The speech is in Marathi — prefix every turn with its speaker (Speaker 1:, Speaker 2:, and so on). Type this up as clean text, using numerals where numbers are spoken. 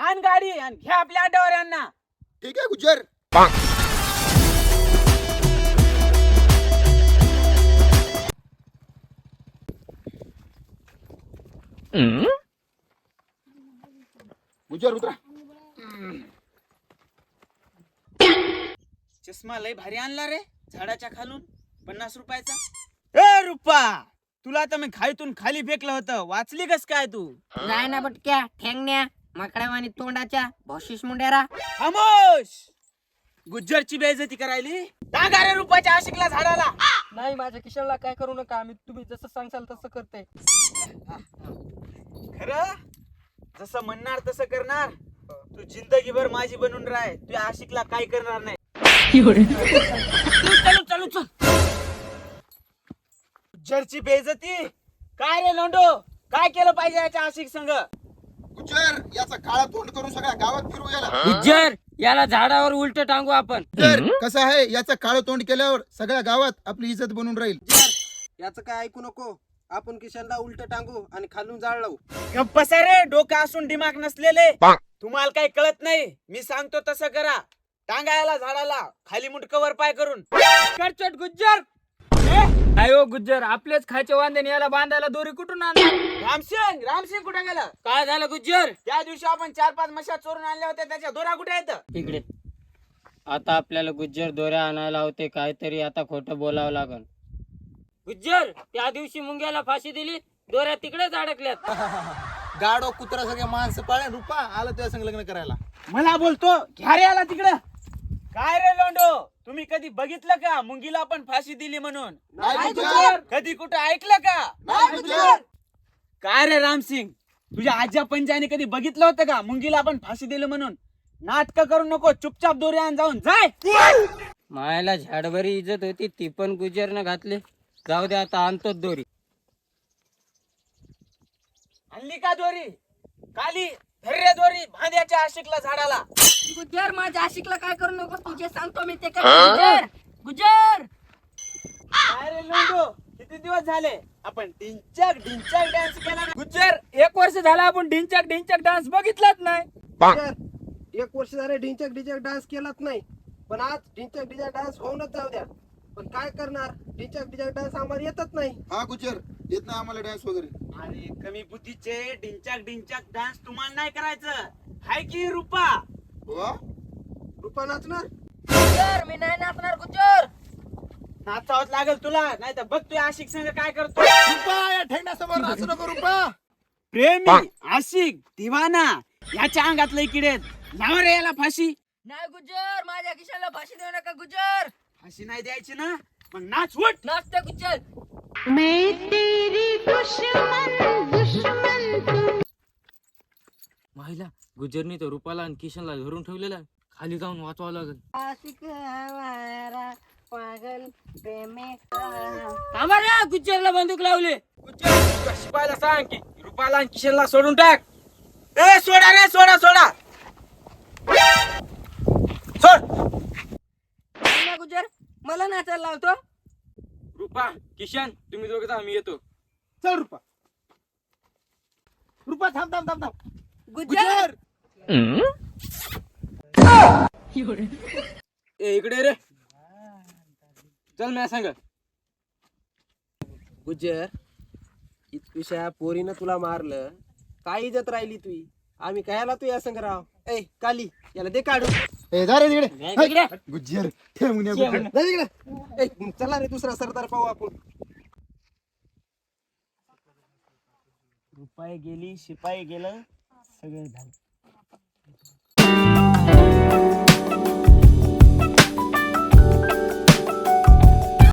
Speaker 1: आण गाडी आणि घ्या आपल्या अड्ड्यावर यांना.
Speaker 2: ठीक आहे गुज्जर. गुज्जर उतरा.
Speaker 1: चष्मा लय भारी आणला रे झाडाच्या खालून 50 रुपयाचा. ए रुपा, तुला तर मी खाईतून खाली फेकलं होतं, वाचली कस काय तू?
Speaker 3: नाही ना बटक्या ठेंगण्या माकडावानी तोंडाच्या भोशीस मुंडेरा.
Speaker 1: खामोश. गुज्जरची बेइज्जती करायली. टाका रे रुपाच्या आशिकला झाडाला.
Speaker 4: नाही माझ्या किशनला काय करू नका, आम्ही तुम्ही जसं सांगशाल तसं करते.
Speaker 1: खरं जसं म्हणणार तसं करणार. तू जिंदगीभर माझी बनून राह, तू आशिकला काय करणार नाही. चल चल चल. गुज्जरची बेइज्जती काय रे लोंडो, काय केलं पाहिजे याच्या आशिक संग?
Speaker 2: गुज्जर याचा काळा तोंड करून सगळ्या गावात फिरू याला.
Speaker 4: गुज्जर याला झाडावर उलट टांगू आपण.
Speaker 2: गुज्जर कसं आहे, याचं काळं तोंड केल्यावर सगळ्या गावात आपली इज्जत बनून राहील.
Speaker 5: याचं काय ऐकू नको, आपण किशनला उलट टांगू आणि खालून जाळ लावू.
Speaker 1: गप्प बसा रे, डोकं असून दिमाग नसलेले. तुम्हाला काही कळत नाही, मी सांगतो तसं करा. टांगायला झाडाला खाली मुंडकवर पाय करून.
Speaker 4: करचट गुज्जर. अयो गुज्जर, आपलेच खायचे वांदे याला बांधायला दोरी कुठून आणणार?
Speaker 1: रामसिंग, रामसिंग कुठे गेला?
Speaker 4: काय झालं गुज्जर?
Speaker 1: त्या दिवशी आपण 4-5 म्हशा चोरून आणल्या होत्या, त्याच्या दोरा कुठे आहेत?
Speaker 4: इकडे. आता आपल्याला गुज्जर दोऱ्या आणायला होते, काहीतरी आता खोटं बोलावं लागल. गुज्जर, त्या दिवशी मुंग्याला फाशी दिली, दोऱ्या तिकडेच अडकल्यात.
Speaker 5: गाडो कुत्रा सगळे माणसं पाळे. रुपा आलं तुझ्या संग लग्न करायला.
Speaker 1: मला बोलतो घ्या रे याला तिकडं. काय रे लोंडो, तुम्ही कधी बघितलं का मुंगीला आपण फाशी दिली म्हणून?
Speaker 2: नाही गुज्जर.
Speaker 1: कधी कुठं ऐकलं का?
Speaker 2: नाही गुज्जर.
Speaker 1: काय रे रामसिंग, तुझ्या आज्या पंजाने कधी बघितलं होतं का मुंगीला आपण फाशी दिली म्हणून? नाटक करू नको, चुपचाप दोरी आण जाऊन. जाय.
Speaker 4: मायाला झाडभरी इज्जत होती, ती पण गुज्जरनं घातली. जाऊ दे, आता आणतोच दोरी.
Speaker 1: आणली का दोरी? काली धर्रे दोरी भांड्याच्या आशिकला झाडाला.
Speaker 3: गुज्जर माझ्या आशिकला काय करू नको, तुझे सांगतो मी ते काय. गुज्जर गुज्जर.
Speaker 1: काय रे लोंडो, किती दिवस झाले आपण ढिंचक ढिंचक डान्स केला ना?
Speaker 4: गुज्जर, 1 वर्ष झाला आपण ढिंचक ढिंचक डान्स बघितलाच नाही.
Speaker 5: गुज्जर, 1 वर्ष झाले ढिंचक ढिंचक डान्स केलाच नाही, पण आज ढिंचक ढिंचक डान्स होऊनच जाऊ द्या. पण काय करणार, ढिंचक ढिंचक डान्स आम्हाला येतच नाही.
Speaker 2: हा गुज्जर, येत नाही आम्हाला डान्स वगैरे.
Speaker 1: अरे कमी बुद्धीचे ढिंचक ढिंचक डान्स तुम्हाला नाही करायचं, हाय की रुपा?
Speaker 2: हो?
Speaker 5: रुपा नाचणार.
Speaker 3: गुज्जर मी नाही नाचणार. गुज्जर
Speaker 1: नाचावत लागल तुला, नाही तर बघ तू आशिक संग काय करतो.
Speaker 2: रुपा या ठेंगण्यासमोर नाचू नको रुपा.
Speaker 1: प्रेमी, आशिक, दिवाना याच्या अंगातलं किडे लाव रे याला फाशी.
Speaker 3: नाही गुज्जर, माझ्या किशनला फाशी देऊ नका. गुज्जर
Speaker 1: फाशी नाही द्यायची ना, मग नाच उठ.
Speaker 3: नाचते गुज्जर.
Speaker 6: मैं तेरी दुश्मन दुश्मन तू.
Speaker 4: माहिला गुज्जरनी तर रुपाला आणि किशनला धरून ठेवलेला, खाली जाऊन वाचवावं लागेल.
Speaker 3: आशिक हमारा पागल प्रेमे.
Speaker 4: थांबा रे, गुज्जरला बंदूक लावले.
Speaker 1: गुज्जर, शिपायला सांग की रुपाला आणि किशनला सोडून टाक. ए सोडा रे, सोडा सोडा. सोड.
Speaker 3: नाही गुज्जर, मला नाचायला लावतो.
Speaker 4: रुपा, किशन, तुम्ही दोघं जा, मी येतो.
Speaker 5: चल रुपा. रुपा थांब थांब थांब थांब.
Speaker 3: गुज्जर
Speaker 4: ए इकडे रे, चल मी सांग.
Speaker 5: गुज्जर, इतकुशा पोरीनं तुला मारलं, काय इज्जत राहिली तुझी? आम्ही कशाला तू या संग राव? ए काली, याला दे काढू.
Speaker 2: ए जा रे तिकडे.
Speaker 4: इकडे.
Speaker 2: गुज्जर ठेवून या गुज्जर.
Speaker 5: जा तिकडे. ए चला रे, दुसरा सरदार पाहू आपण.
Speaker 1: रुपाई गेली, शिपाई गेलं, सगळं झालं.